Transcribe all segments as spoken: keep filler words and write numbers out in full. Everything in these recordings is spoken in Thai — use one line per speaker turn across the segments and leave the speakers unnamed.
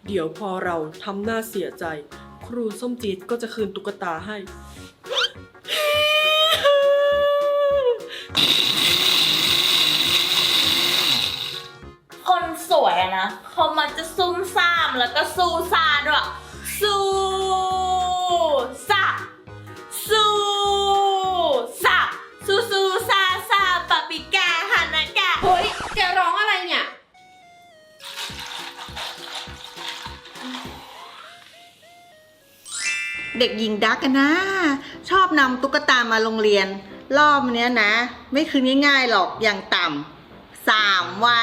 เดี๋ยวพอเราทำหน้าเสียใจครูส้มจี๊ดก็จะคืนตุ๊กตาให้
คนสวยอะนะเขามักจะซุ่มซ่ามแล้วก็สู้ซาด้วยสู้ซาสู้ซาสู้สู้ซาซาปาปิกาฮานากะ
เฮ้ยแกร้องอะไรเนี่ยเด็กหญิงดักกันนะ ชอบนำตุ๊กตามาโรงเรียน รอบเนี้ยนะ ไม่คืนง่ายๆหรอกอย่างต่ำสามวัน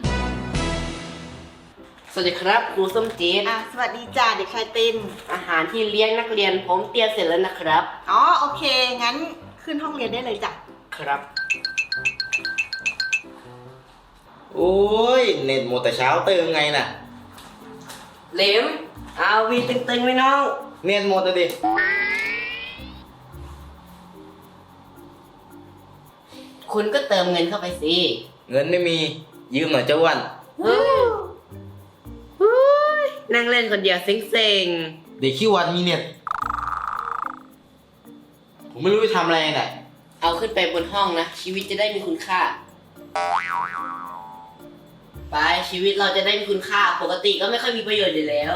สวัสดีครับครูส้มจี๊ด
อ่ะสวัสดีจ้าเด็กชายติน
อาหารที่เลี้ยงนักเรียนผมเตรียมเสร็จแล้วนะครับ
อ๋อโอเค งั้นขึ้นห้องเรียนได้เลยจ้ะ
ครับ
โอ้ยเน็ตหมดแต่เช้าตื่นไงน่ะ
เหลมเอาวีตึงๆไว้น้อง
เน็ตหมดเลยดิ
คุณก็เติมเงินเข้าไปสิ
เงินไม่มียืมหน่อยเจ้าอ้วัน
นั่งเล่นคนเดียวเซ็ง
เด็กขี้วันมีเน็ต ผมไม่รู้จะทำอะไรน่ะ
ๆเอาขึ้นไปบนห้องนะ ชีวิตจะได้มีคุณค่า ไปชีวิตเราจะได้มีคุณค่า ปกติก็ไม่ค่อยมีประโยชน์อยู่แล้ว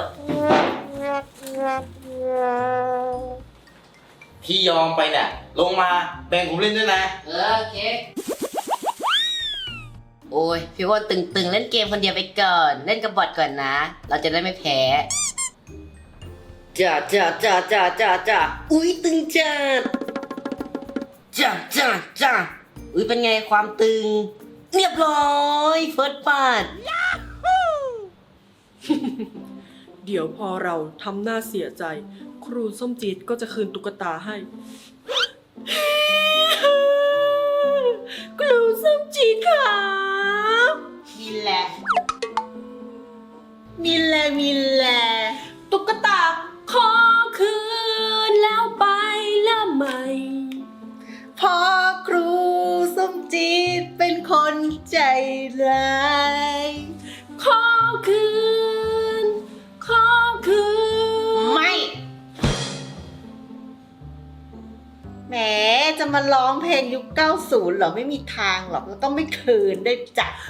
ที่ยอมไปน่ะ ลงมาแบ่งผมเล่นด้วยนะ
เออโอเค โอ้ยพี่ว่าตึงๆ เล่นเกมคนเดียวไปก่อน เล่นกับบอทก่อนนะ เราจะได้ไม่แพ้จ้าจ้าจ้าจ้าจ้าจ้าอุ้ยตึงจัดจ้าจ้าจ้าอุ้ยเป็นไงความตึง เรียบร้อยเฟิร์สปาด
เดี๋ยวพอเราทำหน้าเสียใจครูส้มจี๊ดก็จะคืนตุ๊กตาให้ ครูส้มจี๊ดค่ะ
มีแหละมีแหละมีแหละ
ตุ๊กตาขอคืนแล้วไปละไหม
พอครูส้มจีดเป็นคนใจร้าย
ขอคืน ขอคืน
ไม่ แหมจะมาร้องเพลงยุคเก้าสิบเหรอไม่มีทางหรอกเราต้องไม่คืนได้จ้ะ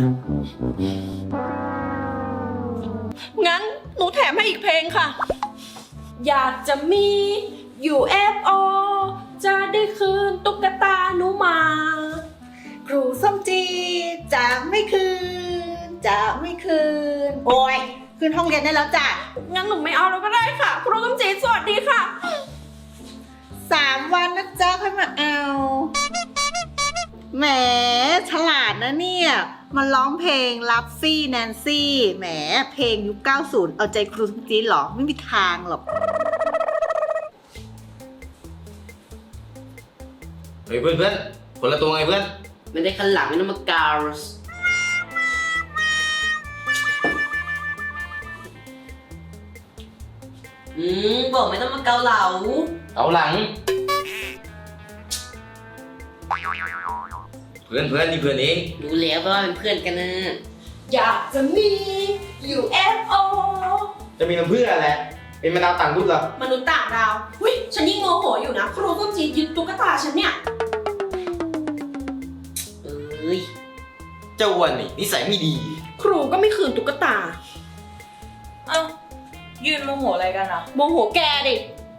งั้นหนูแถมให้อีกเพลงค่ะ อยากจะมี ยู เอฟ โอ จะได้คืนตุ๊กตาหนูมา
ครูส้มจีดจะไม่คืน จะไม่คืน โอ้ยขึ้นห้องเรียนได้แล้วจ้ะ
งั้นหนูไม่เอาแล้วก็ได้ค่ะ ครูส้มจี๊ดสวัสดีค่ะ
สามวันนะจ๊ะค่อยมาเอา แหมฉลาดนะเนี่ยมาร้องเพลงลัฟฟี่แนนซี่แหมเพลงยุคเก้าสิบเอาใจครูส้มจีดเหรอไม่มีทางหรอก
เฮ้ยเพื่อนเพื่อนคนละตัวไงเพื่อน
ไม่ได้ขันหลังไม่ต้องมากาวส์อืมบอกไม่ต้องมาเกาเหลา
เอาหลัง เพื่อนเพื่อนนี่เพื่อนเอง
รู้แล้วว่าเป็นเพื่อนกันนะ
อยากจะมี ยู เอฟ โอ
จะมีน้ำเพื่ออะไร เป็นมะนาวต่างรุ่นเหรอ
มนุษย์ต่างดาวหุ้ยฉันยิ่งโมโหอยู่นะ ครูส้มจี๊ดยึดตุ๊กตาฉันเนี่ย
เอ้ย
เจ้าอ้วันนี่นิสัยไม่ดี
ครูก็ไม่คืนตุ๊กตา
เอ้ายืนโมโหอะไรกันอ่ะ
โมโหแกดิ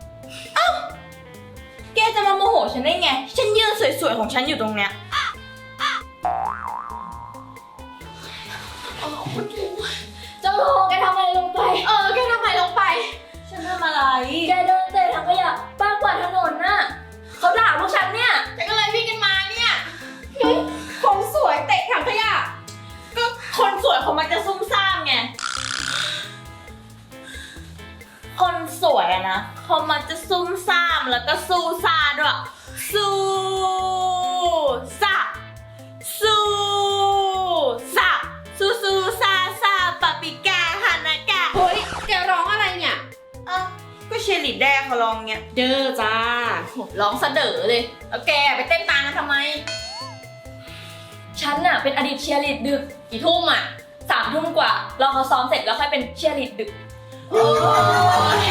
แกจะมาโมโหฉันได้ไง ฉันยืนสวยๆของฉันอยู่ตรงเนี้ยจะโลแกทำอะไรลงไป
เออ แกทำไมลงไป
ฉันทำอะไร แกเดินเตะถังขยะป้ากวาดถนนน่ะเขาด่าพวกฉันเนี่ย
ฉันก็เลยวิ่งกันมาเนี่ยเฮ้ยคนสวยเตะถังขยะ
ก็คนสวยเขามักจะซุ่มซ่ามไง คนสวยอะนะเขามักจะซุ่มซ่ามแล้วก็สู้ซาด้วยสู้ซาสู้ซาสู้สู้ซาซาปาปิกาฮานากะ
เฮ้ยแกร้องอะไรเนี่ย
เอ้าก็เชยร์ลิดแดงเขาลองเงี้ย
เด้อจ้า
ร้องสะเด๋อเลย แล้วแกไปเต้นตามกันทำไม ฉันน่ะเป็นอดีตเชียร์ลีดดึกกี่ทุ่มอ่ะสามทุ่มกว่า เราเขาซ้อมเสร็จแล้วค่อยเป็นเชียร์ลีดดึกโอ้ย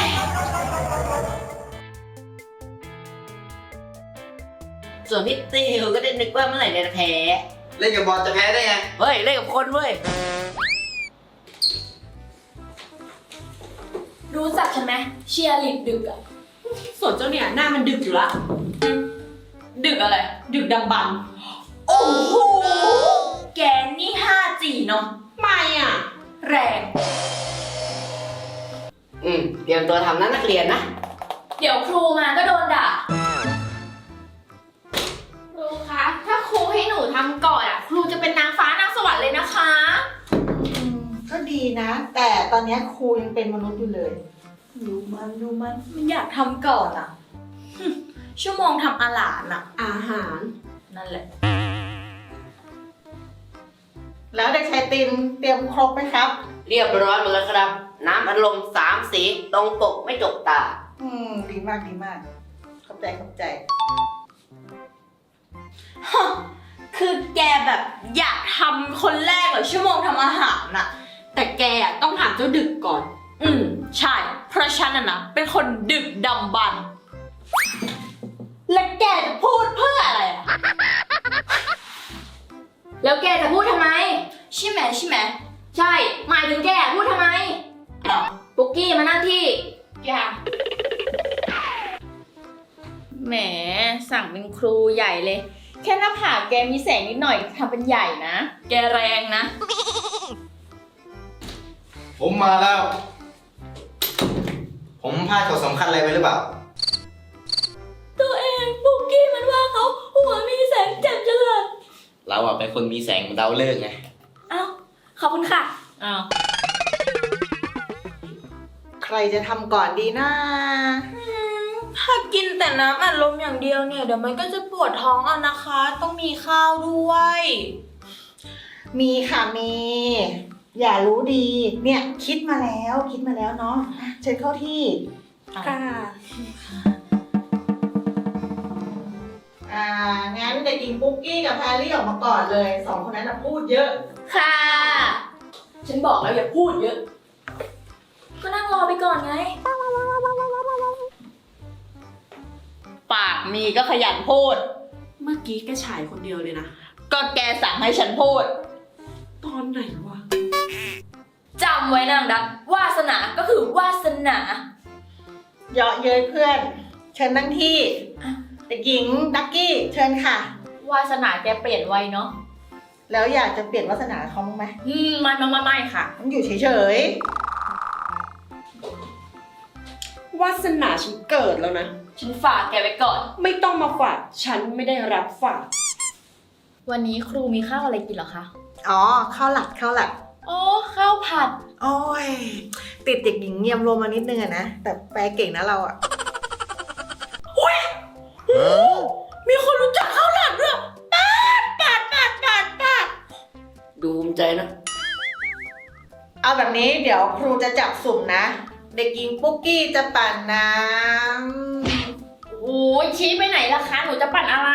ส่วนพี่ติวก็ได้นึกว่าเมื่อไหร่จะแพ้
เล่นกับบอลจะแพ้ได้ไง
เฮ้ย เล่นกับคนเว้ย
รู้จักฉันไหมเชียร์ลีดดึกอะ
ส่วนเจ้าเนี่ยหน้ามันดึกอยู่ละ
ดึกอะไร
ดึกดำบรรพ์
โอ้โห แกนี่ ห้าจี เนาะ
ไม่อ่ะ
แรง
อืม เตรียมตัวทำนะนักเรียนนะ
เดี๋ยวครูมาก็โดนด่า
ครูคะ ถ้าครูให้หนูทำก่อนอ่ะ ครูจะเป็นนางฟ้านางสวรรค์เลยนะคะ
อืมก็ดีนะ แต่ตอนนี้ครูยังเป็นมนุษย์อยู่เลย
ดูมันดูมันมันอยากทำก่อนอะหึชั่วโมงทำอาหารอะ
อาหาร
นั่นแหละ
แล้วเด็กชายตินเตรียมครบไหมครับ
เรียบร้อยหมดแล้วครับ น้ำอัดลมสามสี ตรงปกไม่จกตา
อืม ดีมากดีมาก เข้าใจเข้าใจ
ฮะ คือแกแบบอยากทำคนแรกเหรอชั่วโมงทำอาหารน่ะ
แต่แกอะต้องถามเจ้าดึกก่อน
อืม ใช่ เพราะฉันน่ะนะ เป็นคนดึกดำบรรพ์และแกจะพูดเพื่ออะไรอะ
แล้วแกจะพูดทำไม
ใช่ไหมใช่ไหม
ใช่ หมายถึงแกพูดทำไม
อ้าว
ปุกกี้มานั่งที่
อย่าแหม สั่งเป็นครูใหญ่เลย แค่หน้าผากแกมีแสงนิดหน่อยทำเป็นใหญ่นะ แกแรงนะ
ผมมาแล้ว ผมพลาดข่าวสำคัญอะไรไปหรือเปล่า
ตัวเองปุกกี้มันว่าเขาหัวมีแสงแจ่มจังเลย
เราอะเป็นคนมีแสงเหมือนดาวฤกษ์ไง
อ้าว ขอบคุณค่ะ อ้าว
ใครจะทำก่อนดีนะ
ถ้ากินแต่น้ำอัดลมอย่างเดียวเนี่ย เดี๋ยวมันก็จะปวดท้องเอานะคะ ต้องมีข้าวด้วย
มีค่ะมี อย่ารู้ดี เนี่ยคิดมาแล้วคิดมาแล้วเนาะอ่ะเชิญเข้าที่
ค่ะ
อ่า งั้นเด็กหญิงปุ๊กกี้กับแพรรี่ออกมาก่อนเลย สองคนนั้นน่ะพูดเยอะ
ค่ะ
ฉันบอกแล้วอย่าพูดเยอะ ก็นั่งรอไปก่อนไง ปากมีก็ขยันพูด
เมื่อกี้แกฉายคนเดียวเลยนะ
ก็แกสั่งให้ฉันพูด
ตอนไหนวะ
จำไว้นะนางดักวาสนาก็คือวาสนา
เยาะเย้ยเพื่อน เชิญนั่งที่
อ่ะ
เด็กหญิงดักกี้เชิญค่ะ
วาสนาแกเปลี่ยนไวเนาะ
แล้วอยากจะเปลี่ยนวาสนาเขาบ้างไหม
อืมไม่ไม่ไม่ไม่ค่ะ
มันอยู่เฉยว
าสนาฉันเกิดแล้วนะ
ฉันฝากแกไว้ก่อน
ไม่ต้องมาฝาก ฉันไม่ได้รับฝาก
วันนี้ครูมีข้าวอะไรกินเหรอคะ
ๆอ๋อข้าวหลักข้าวหลัก
โอ้ข้าวผัด
โอ้ย ติดเด็กหญิงเงียบรวมมานิดนึงอะนะ แต่แปลเก่งนะเราอะ
มีคนรู้จักข้าวหลามด้วยปาดปาดปาดปาดปาด
ดูภูมิใจนะ
เอาแบบนี้เดี๋ยวครูจะจับสุ่มนะ เด็กหญิงปุ๊กกี้จะปั่นน้
โอ้ยชี้ไปไหนล่ะคะ หนูจะปั่นอะไร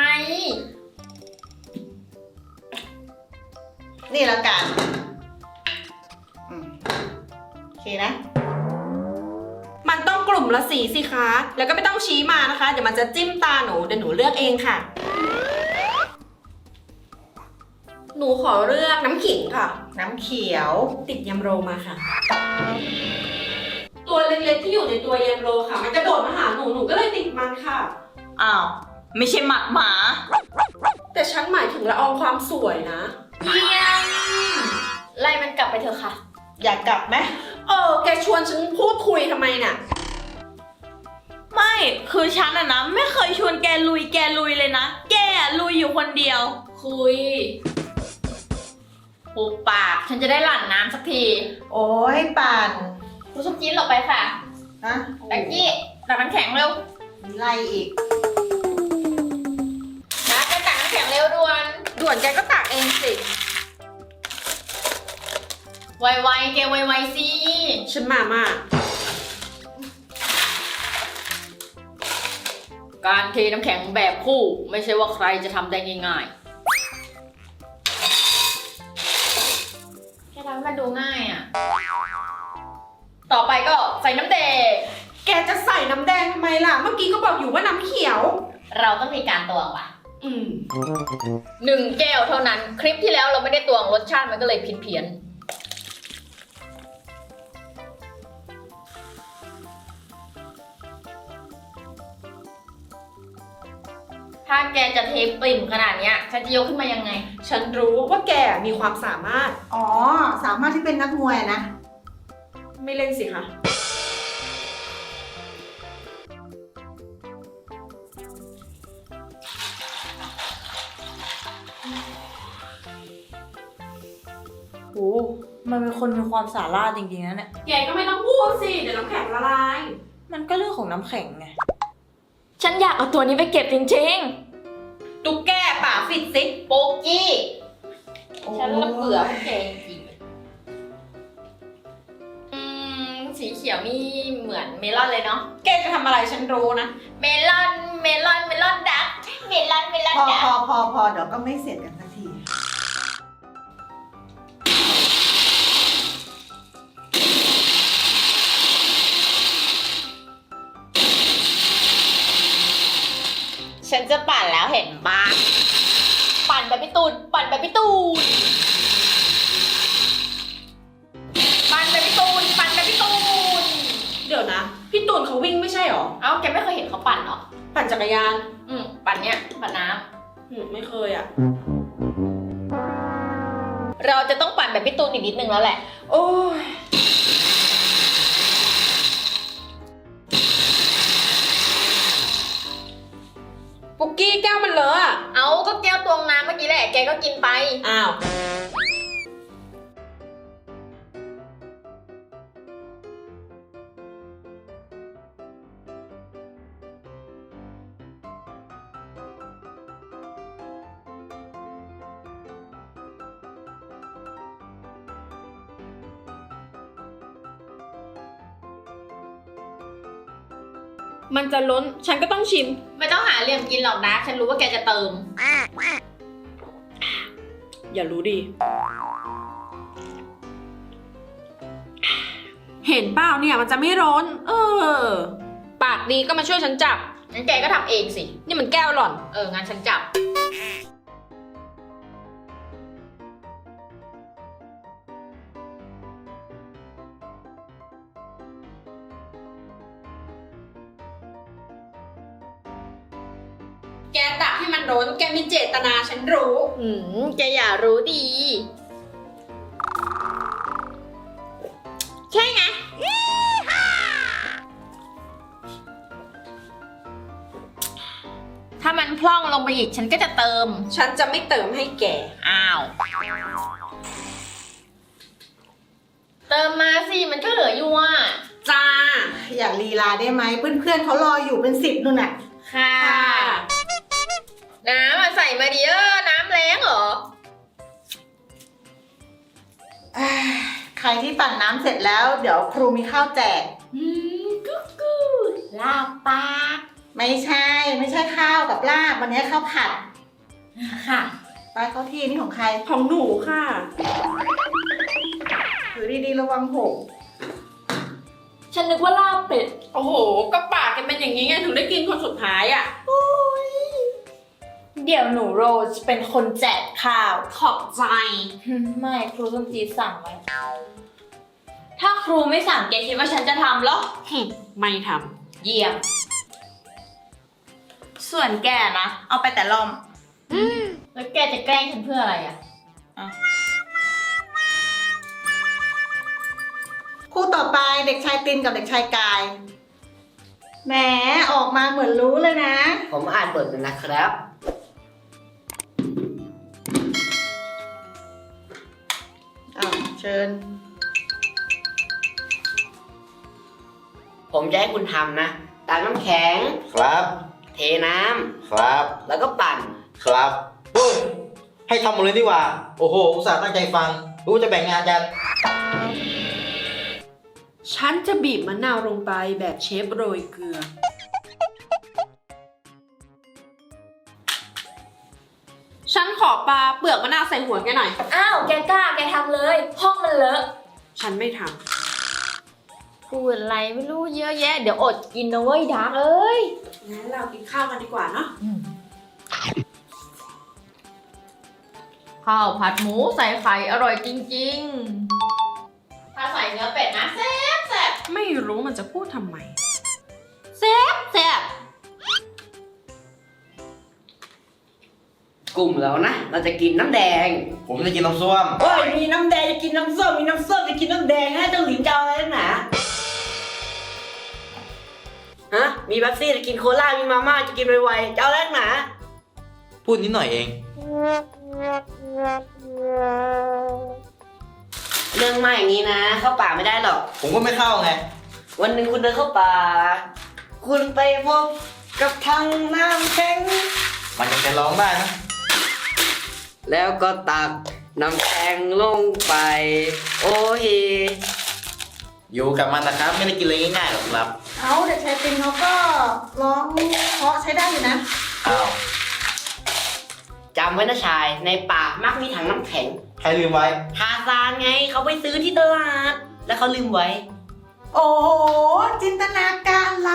ำนี่แล้วกันอืมโอเคนะ
มันต้องกลุ่มละสีสิคะ แล้วก็ไม่ต้องชี้มานะคะ เดี๋ยวมันจะจิ้มตาหนู เดี๋ยวหนูเลือกเองค่ะ หนูขอเลือกน้ำขิงค่ะ
น้ำเขียว
ติดยำโรมาค่ะ ตัวเล็กๆที่อยู่ในตัวยำโรค่ะ มันกระโดดมาหาหนู หนูก็เลยติดมันค่ะ
อ้าว ไม่ใช่หมัดหมา
แต่ฉันหมายถึงละอองความสวยนะ
เยี่ยม
ไล่มันกลับไปเถอะค่ะ
อยากกลับไหม
เออ แกชวนฉันพูดคุยทำไมน่ะ
ไม่ คือฉันอะนะ ไม่เคยชวนแกลุยแกลุยเลยนะ แกอะลุยอยู่คนเดียว
คุยปุบปาก ฉันจะได้หลั่นน้ำสักที
โอ้ยปั่น
ครูส้มจี๊ดหลบไปค่ะ
ฮะ
แบกกี้ตักน้ำแข็งเร็ว
มีไล่อีก
นะไปตักน้ำแข็งเร็วด่วน
ด่วนแกก็ตักเองสิ
ไวๆแกไวๆสิ
ฉันมามาก
การเทน้ำแข็งแบบคู่ ไม่ใช่ว่าใครจะทำได้ง่ายๆแค่ทำให้มันดูง่ายอ่ะ
ต่อไปก็ใส่น้ำแดง
แกจะใส่น้ำแดงทำไมล่ะ เมื่อกี้ก็บอกอยู่ว่าน้ำเขียว
เราต้องมีการตวงว่ะ
อืม
หนึ่งแก้วเท่านั้น คลิปที่แล้วเราไม่ได้ตวงรสชาติมันก็เลยผิดเพี้ยน ถ้าแกจะเทปริ่มขนาดเนี้ยฉันจะยกขึ้นมายังไง
ฉันรู้ว่าแกมีความสามารถ
อ๋อ สามารถที่เป็นนักมวยอะนะ
ไม่เล่นสิคะ
โอ้มันเป็นคนมีความสามารถจริงๆนะเนี่ย
แกก็ไม่ต้องพูดสิ เดี๋ยวน้ำแข็งละลาย
มันก็เรื่องของน้ำแข็งไง ฉันอยากเอาตัวนี้ไปเก็บจริง
ตุ๊กแกป่าฟิตซิ
ๆ โปกกี้ ฉันละเบื่อพวกแกจริงๆเลยอืม สีเขียวนี่เหมือนเมลอนเลยเนาะ
แกจะทำอะไรฉันรู้นะ
เมลอน เมลอน เมลอนดัก เมลอน เมลอน
พอ
ดัก
พอพอพอเดี๋ยวก็ไม่เสร็จกันสักที
ฉันจะปั่นแล้วเห็นปะปั่นแบบพี่ตูน ปั่นแบบพี่ตูน ปั่นแบบพี่ตูน ปั่นแบบพี่ตูน
เดี๋ยวนะ พี่ตูนเขาวิ่งไม่ใช่หรอ
เอ้า แกไม่เคยเห็นเขาปั่นเหรอ
ปั่นจักรยาน
อืม ปั่นเนี้ย ปั่นน้
อืมไม่เคยอ่ะ
ำ เราจะต้องปั่นแบบพี่ตูนอีกนิดนึงแล้วแหละ
โอ้ย ปุกกี้แก้วมันเลอะอะ
เอาก็แก้วตวงน้ำเมื่อกี้แหละ แกก็กินไป
อ้าว มันจะล้น ฉันก็ต้องชิม
ไม่ต้องหาเหลี่ยมกินหรอกนะ ฉันรู้ว่าแกจะเติม
อย่ารู้ดี เห็นเปล่าเนี่ยมันจะไม่ร้อน เออ ปากดีก็มาช่วยฉันจับ
งั้นแกก็ทำเองสิ
นี่มันแก้วหล่อน
เออ งั้นฉันจับ
แกตักให้มันร้อน แกมีเจตนาฉันรู้
อืม แกอย่ารู้ดี ใช่ไง ถ้ามันพล่องลงไปอีกฉันก็จะเติม
ฉันจะไม่เติมให้แก
อ้าว เติมมาสิ มันก็เหลืออยู่อ่ะ
จ้า
อย่าลีลาได้ไหมเพื่อนๆเขารออยู่เป็นสิบนู่นน่ะ
ค่ะ น้ำอะใส่มาดิเออน้ำแรงเหรอ
อ่าใครที่ปั่นน้ำเสร็จแล้ว เดี๋ยวครูมีข้าวแจก
อืมกุ๊กกูลาบปาก
ไม่ใช่ ไม่ใช่ข้าวกับลาบวันนี้ข้าวผัด
ค่ะ
ไปเข้าที่นี่ของใคร
ของหนูค่ะ
ถือดีๆระวังหก
ฉันนึกว่าลาบเป็ด
โอ้โห ก็ปากกันเป็นอย่างนี้ไงถึงได้กินคนสุดท้ายอ่ะ
เดี๋ยวหนูโรสเป็นคนแจกข้าว
ขอบใจ
ไม่ครูส้มจีดสั่งไว้ ถ้าครูไม่สั่งแกคิดว่าฉันจะทำเหรอ
ไม่ท
เยี่ยม ส่วนแกนะ เอาไปแต่ลอม แล้วแกจะแกล้งฉันเพื่ออะไรอ่ะ
คู่ต่อไปเด็กชายตินกับเด็กชายกาย แหมออกมาเหมือนรู้เลยนะ
ผมอ่านบทเป็นนะครับ
อ้าวเชิญ
ผมจะให้คุณทำนะตักน้ำแข็ง
ครับ
เทน้
ครับ
ำแล้วก็ปั่น
ครับเฮ้ยให้ทำหมดเลยดีกว่า โอ้โห อุตส่าห์ตั้งใจฟัง รู้จะแบ่งงานกัน
ำฉันจะบีบมะนาวลงไปแบบเชฟโรยเกลือ ฉันขอปลาเปลือกมะนาวใส่หัวแกหน่อย
อ้าว แกกล้า แกทำเลย ห้องมันเลอะ
ฉันไม่ท
พูดอะไรไม่รู้เยอะแยะ เดี๋ยวอดกินนะเว้ยดาร์กเอ้ย
งั้นเรากินข้าวกันดีกว่าเนาะ
ข้าวผัดหมูใส่ไข่อร่อยจริงๆ ถ้าใส่เนื้อเป็ดนะแซ่บแซ่บ
ไม่รู้มันจะพูดทำไม
แซ่บแซ่บ
กลุ่มแล้วนะ เราจะกินน้ำแดง
ผมจะกินน้ำส้ม
โอ้ย มีน้ำแดงจะกินน้ำส้ม มีน้ำส้มจะกินน้ำแดงฮะเจ้าหลินจะเอาอะไรนักหนาฮะ มีเป๊ปซี่จะกินโคลา มีมาม่าจะกินไวๆจะเอาอะไรนักหนา
พูดนิดหน่อยเอง
เรื่องมากอย่างนี้นะ เข้าป่าไม่ได้หรอก
ผมก็ไม่เข้าไง
วันหนึ่งคุณเดินเข้าป่า คุณไปพบกับทางน้ำแข็ง
มันยังจะร้องได้นะ
แล้วก็ตักน้ำแข็งลงไป โอ้ย
อยู่กับมันนะครับ ไม่ได้กินอะไรง่ายๆหรอกครับ
เอาเด็กชายปินเขาก็ร้องเพราะใช้ได้อยู่นะ
อ้าว
จำไว้นะชาย ในป่ามักมีถังน้ำแข็ง
ใครลืมไว้
ทาซานไงเขาไปซื้อที่ตลาด แล้วเขาลืมไว้
โอ้โห จินตนาการล้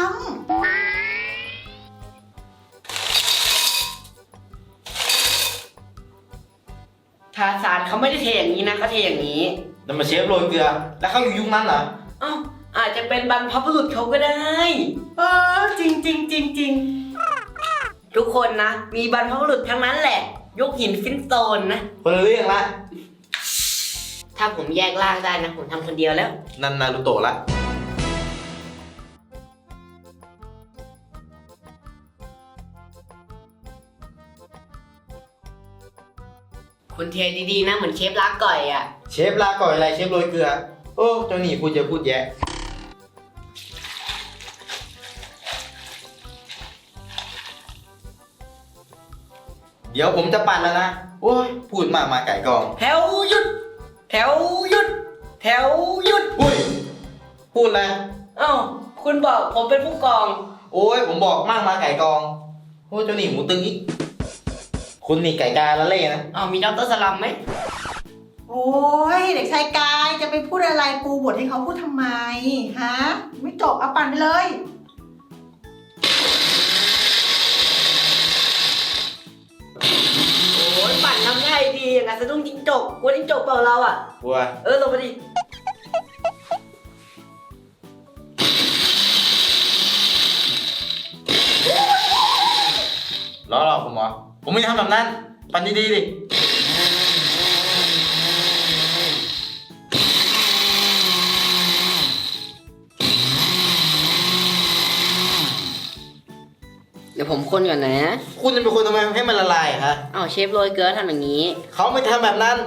ทาซานเขาไม่ได้เทอย่างนี้นะเขาเทอย่างนี้
นั่นมาเชฟโรยเกลือ แล้วเขาอยู่ยุคนั้นเหรอ
เอ้าอาจจะเป็นบรรพบุรุษเขาก็ได้
ำเออ จริงจริงจริงจริง
ทุกคนนะ มีบรรพบุรุษทั้งนั้นแหละ ยกหินฟินสโตนนะ
คนละเรื่องละ
ถ้าผมแยกร่างได้นะ ผมทำคนเดียวแล้ว
นันนารูโตะละ
คุณเทดีๆนะ เหมือนเชฟลาก่อยอ่ะ
เชฟลาก่อยอะไร เชฟโรยเกลือ โอ้ เจ้าหนี่พูดเยอะพูดแยะ เดี๋ยวผมจะปั่นแล้วนะ โอ้ย พูดมากมาไก่กอง
แถวหยุด แถวหยุด แถวหยุด
อุ้ย พูดอะไร
เอ้าคุณบอกผมเป็นผู้กอง
โอ้ย ผมบอกมากมาไก่กอง โอ้ยเจ้าหนี่หมูตึงอีก คุณนี่ไก่กาละเล่นะ
อ้าวมีดอกเตอรสลัมไหม
โอ้ย เด็กชายกายจะไปพูดอะไรปูบทให้เขาพูดทำไม ฮะ ไม่จบเอาปั่นไปเลย
โอ้ยปั่นทำง่ายดีอย่างนั้นสะดุ้งจิ้งจกกลัวจิ้งจกเปล่าเราอ่ะ
บัว
เออลงมาดิ
ล้อหรอกผมเหรอ ผมไม่ได้ทำแบบนั้น ปั่นดีๆดิ
เดี๋ยวผมคนก่อนนะ
คุณจะเป็นคนทำไมให้มันละลายอะฮะ
อ้าวเชฟโรยเกลือทำอย่างนี้
เขาไม่ทำแบบนั้น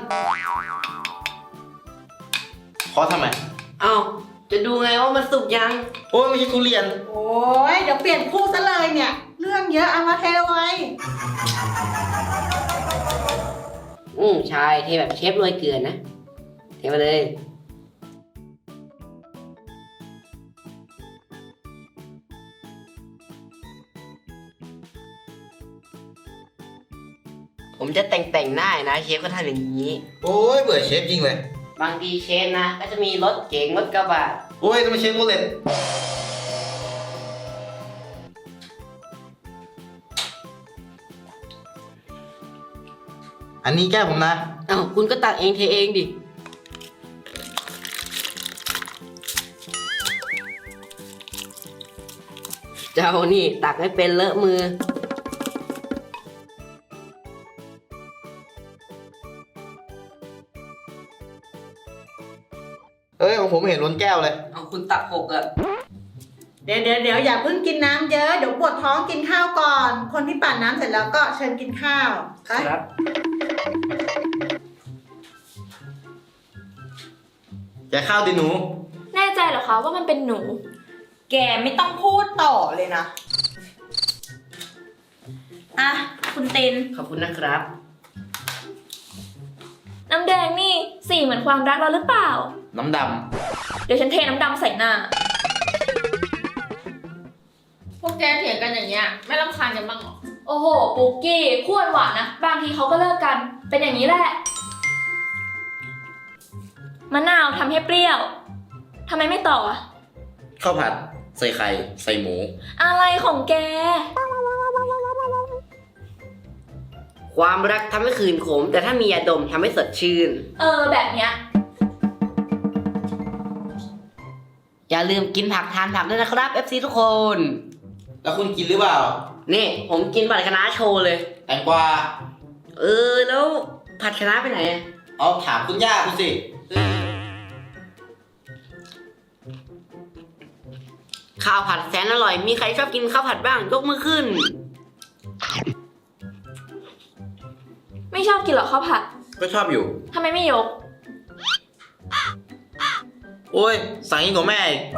เขาทำไม
อ้าวจะดูไงว่ามันสุกยัง
โอ้ยไม่ใช่ทุเรียน
โอ้ย เดี๋ยวเปลี่ยนคู่ซะเลยเนี่ย เรื่องเยอะเอามาเทไว้
อืมใช่เทแบบเชฟโรยเกลือนะ เทมาเลย ผมจะแต่งแต่งๆหน้านะเชฟก็ทำอย่างนี้
โอ้ยเบื่อเชฟจริงเลย
บางทีเชฟนะ ก็จะมีรถเก๋งรถกระบะ
โอ้ยทำไมเชฟโรเลตอันนี้แก้ผมนะ
อ้าวคุณก็ตักเองเทเองดิ เจ้านี่ตักให้เป็นเลอะมือ
เอ้ยของผมเห็นล้นแก้วเลย
เอาคุณตักหกอะ
เดี๋ยวเดี๋ยวเดี๋ยวอย่าเพิ่งกินน้ำเยอะ เดี๋ยวปวดท้องกินข้าวก่อน คนที่ปั่นน้ำเสร็จแล้วก็เชิญกินข้าวไป
ครับ
แกข้าวดิหนู
แน่ใจเหรอคะว่ามันเป็นหนู
แกไม่ต้องพูดต่อเลยนะ อ่ะ คุณติน
ขอบคุณนะครับ
น้ำแดงนี่สีเหมือนความรักเราหรือเปล่า
น้ำด
เดี๋ยวฉันเทน้ำดำใส่หน้า
พวกแกเถียงกันอย่างเงี้ย ไม่รำคาญกันบ้างเหรอ
โอ้โห ปุกกี้คู่หวานนะ บางทีเขาก็เลิกกัน เป็นอย่างนี้แหละ มะนาวทำให้เปรี้ยว ทำไมไม่ต่ออะ
ข้าวผัด ใส่ไข่ ใส่หมู
อะไรของแก
ความรักทำให้คืนขม แต่ถ้ามียาดมทำให้สดชื่น
เออแบบเนี้ย
อย่าลืมกินผักทานผักด้วยนะครับ เอฟ ซี ทุกคน
แล้วคุณกินหรือเปล่า
นี่ผมกินผัดคะน้าโชว์เลย
แตงกวา
เออแล้วผัดคะน้าไปไหนอะ
เอาถามคุณย่าคุณสิ
ข้าวผัดแสนอร่อย มีใครชอบกินข้าวผัดบ้างยกมือขึ้น
ไม่ชอบกินหรอข้าวผัด
ก็ชอบอยู่
ทำไมไม่ยก
โอ้ย สั่งยิ่งกว่าแม่อีก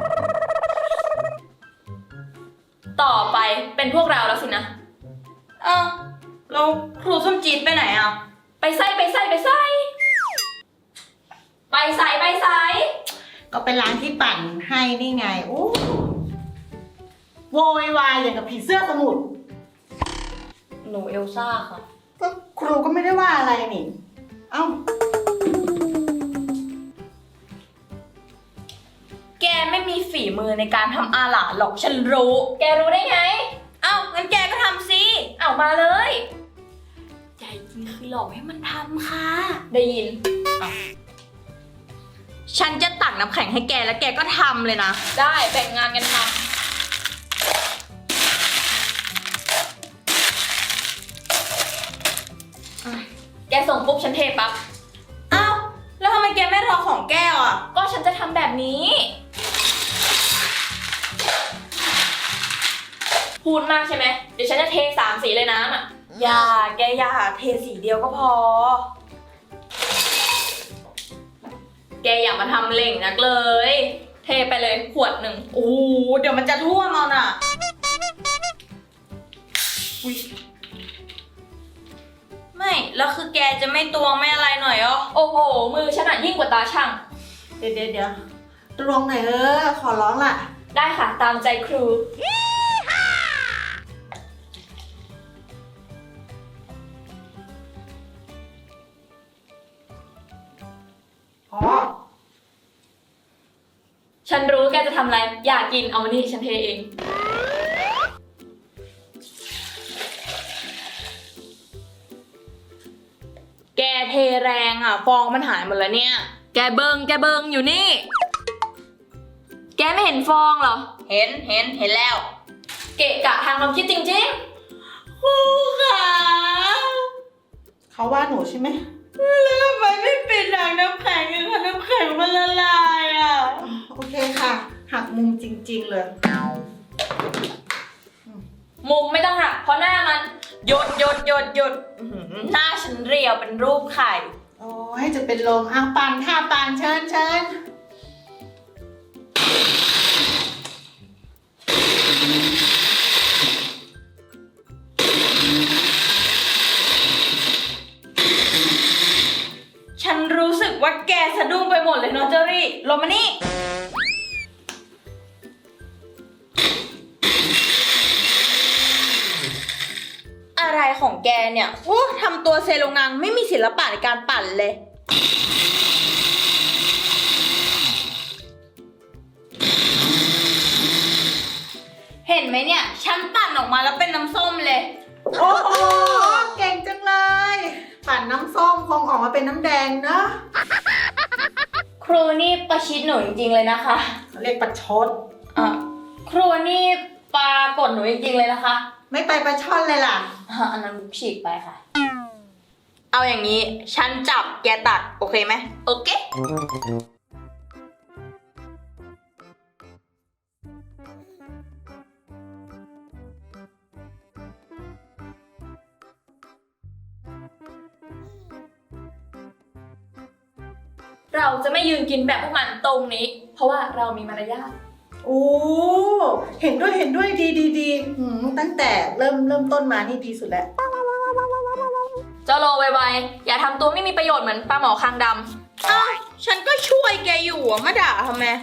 ต่อไปเป็นพวกเราแล้วสินะ
เอ้าแล้วครูส้มจีดไปไหนอ่ะ
ไปใส่ไปใส่ไปใส่ไปใส่ไปใส่
ก็เป็นร้านที่ปั่นให้นี่ไงโอ้โวยวายอย่างกับผีเสื้อสมุทร
หนูเอลซ่าค่ะ
ก็ครูก็ไม่ได้ว่าอะไรนี่ เอ้า
แกไม่มีฝีมือในการทำอาหารหรอกฉันรู้ แกรู้ได้ไง
เอ้างั้นแกก็ทำสิ
เอามาเลยใจจริงคือหลอกให้มันทำค่ะ ได้ยิน
ฉันจะตักน้ำแข็งให้แกแล้วแกก็ทำเลยนะ
ได้แบ่งงานกันทำแกส่งปุ๊บฉันเทปั๊บ
เอ้าแล้วทำไมแกไม่รอของแก้วอ่ะ
ก็ฉันจะทำแบบนี้ พูดมากใช่ไหม เดี๋ยวฉันจะเทสามสีเลยน้ำอ่ะ
อย่าแกอย่าเทสีเดียวก็พอ
แกอย่ามาทำเล่งนักเลย เทไปเลยขวดหนึ่ง
โอ้โหเดี๋ยวมันจะท่วมเอาน่ะ ไม่ แล้วคือแกจะไม่ตวงไม่อะไรหน่อยเหรอ
โอ้โห มือฉันอะยิ่งกว่าตาช่าง
เดี๋ยวเดี๋ยวเดี๋ยวตรงไหนอยเออขอร้องล่ะ
ได้ค่ะ ตามใจครู
อ๋อ
ฉันรู้แกจะทำอะไร อยากกินเอามานี่ฉันเทเอง
แกเทแรงอ่ะ ฟองมันหายหมดแล้วเนี่ย แกเบิงแกเบิงอยู่นี่
แกไม่เห็นฟองเหรอ
เห็นเห็นเห็นแล้ว
เกะกะทางความคิดจริง
ครูขา
เขาว่าหนูใช่ไหม
แล้วทำไมไม่ปิดถังน้ำแข็งอะคะน้ำแข็งมันละลายอ่ะ
โอเคค่ะ หักมุมจริงๆเลย
ๆ มุมไม่ต้องหักเพราะหน้ามัน
หยดหยดหยดหยดอื้อหือหน้าฉันเรียวเป็นรูปไข่
โอ้ยจะเป็นลมอ้าวปานค่ะปานเชิญเชิญ
ฉันรู้สึกว่าแกสะดุ้งไปหมดเลยเนาะเจอรี่ลงมานี่ อะไรของแกเนี่ยโอ้ทำตัวเซโลงังไม่มีศิลปะในการปั่นเลย เห็นไหมเนี่ย ฉันปั่นออกมาแล้วเป็นน้ำส้มเลย
โอ้โหเก่งจังเลย ปั่นน้ำส้มคงออกมาเป็นน้ำแดงเนอะ
ครูนี่ประชิดหนูจริงๆเลยนะคะ
เขาเรียกประชด
อ่ะครูนี่ปรากฏหนูจริงๆเลยนะคะ
ไม่ไปประช่อนเลยล่ะ
อ่ะอันนั้นฉีกไปค่ะ
เอาอย่างนี้ ฉันจับแกตัด โอเคไหม โอเค
เราจะไม่ยืนกินแบบพวกมันตรงนี้ เพราะว่าเรามีมารยาท
โอ้เห็นด้วยเห็นด้วยดีดีดีหืมตั้งแต่เริ่มเริ่มต้นมานี่ดีสุดแล้ว
เจ้าโลไวๆอย่าทำตัวไม่มีประโยชน์เหมือนปลาหมอคางดำ
อ้าวฉันก็ช่วยแกอยู่อะมาด่าทำไม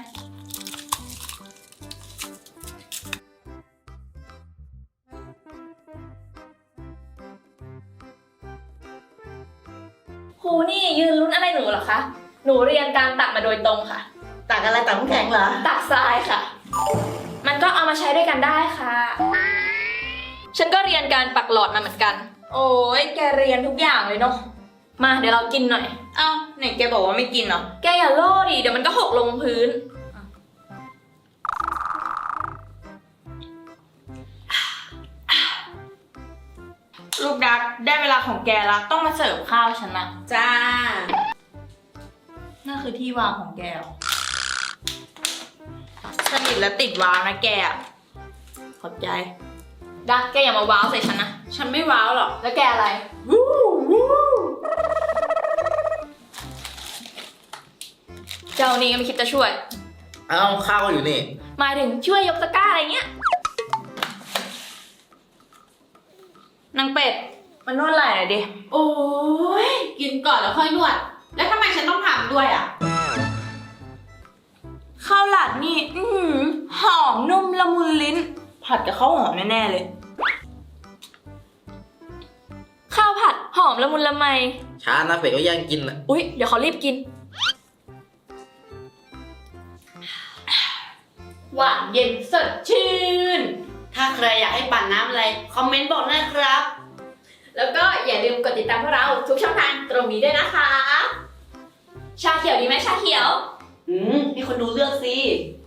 ครูนี่ยืนลุ้นอะไรหนูเหรอคะ หนูเรียนการตักมาโดยตรงค่ะ
ตักอะไรตักน้ำแข็งเหรอ
ตักทรายค่ะ
อ
มันก็เอามาใช้ด้วยกันได้ค่ะ ฉันก็เรียนการปักหลอดมาเหมือนกัน โอ้ยแกเรียนทุกอย่างเลยเนาะ มาเดี๋ยวเรากินหน่อย
เอ้าไหนแกบอกว่าไม่กินเหรอ
แกอย่าโล่ดิ เดี๋ยวมันก็หกลงพื้น
ลูกดักได้เวลาของแกแล้วต้องมาเสิร์ฟข้าวฉันนะ
จ้า
นั่นคือที่วางของแกเหรอสนิทและติดวางนะแกอะขอบใจ
ดักแกอย่ามาว้าวใส่ฉันนะ
ฉันไม่ว้าวหรอก
แล้วแกอะไร เจ้านี่ก็ไม่คิดจะช่วย
เอ้าข้าวก็อยู่นี่
หมายถึงช่วยยกตะกร้าอะไรเงี้ย
นางเป็ดมันนวดไหล่หน่อยดิ
โอ้ยกินก่อนแล้วค่อยนวด แล้วทำไมฉันต้องทำด้วยอ่ะ
ข้าวหลาดนี่ อื้อหือหอมนุ่มละมุนลิ้น ผัดกับข้าวหอมแน่ๆเลย
ข้าวผัดหอมละมุนละไม
ช้านะเป็ดก็แย่งกินนะ
อุ๊ย เดี๋ยวเขารีบกิน
หวานเย็นสดชื่น
ถ้าใครอยากให้ปั่นน้ำอะไร คอมเมนต์บอกนะครับ
แล้วก็อย่าลืมกดติดตามพวกเราทุกช่องทางตรงนี้ด้วยนะคะ ชาเขียวดีไหมชาเขียว
อืมให้คนดูเลือกสิ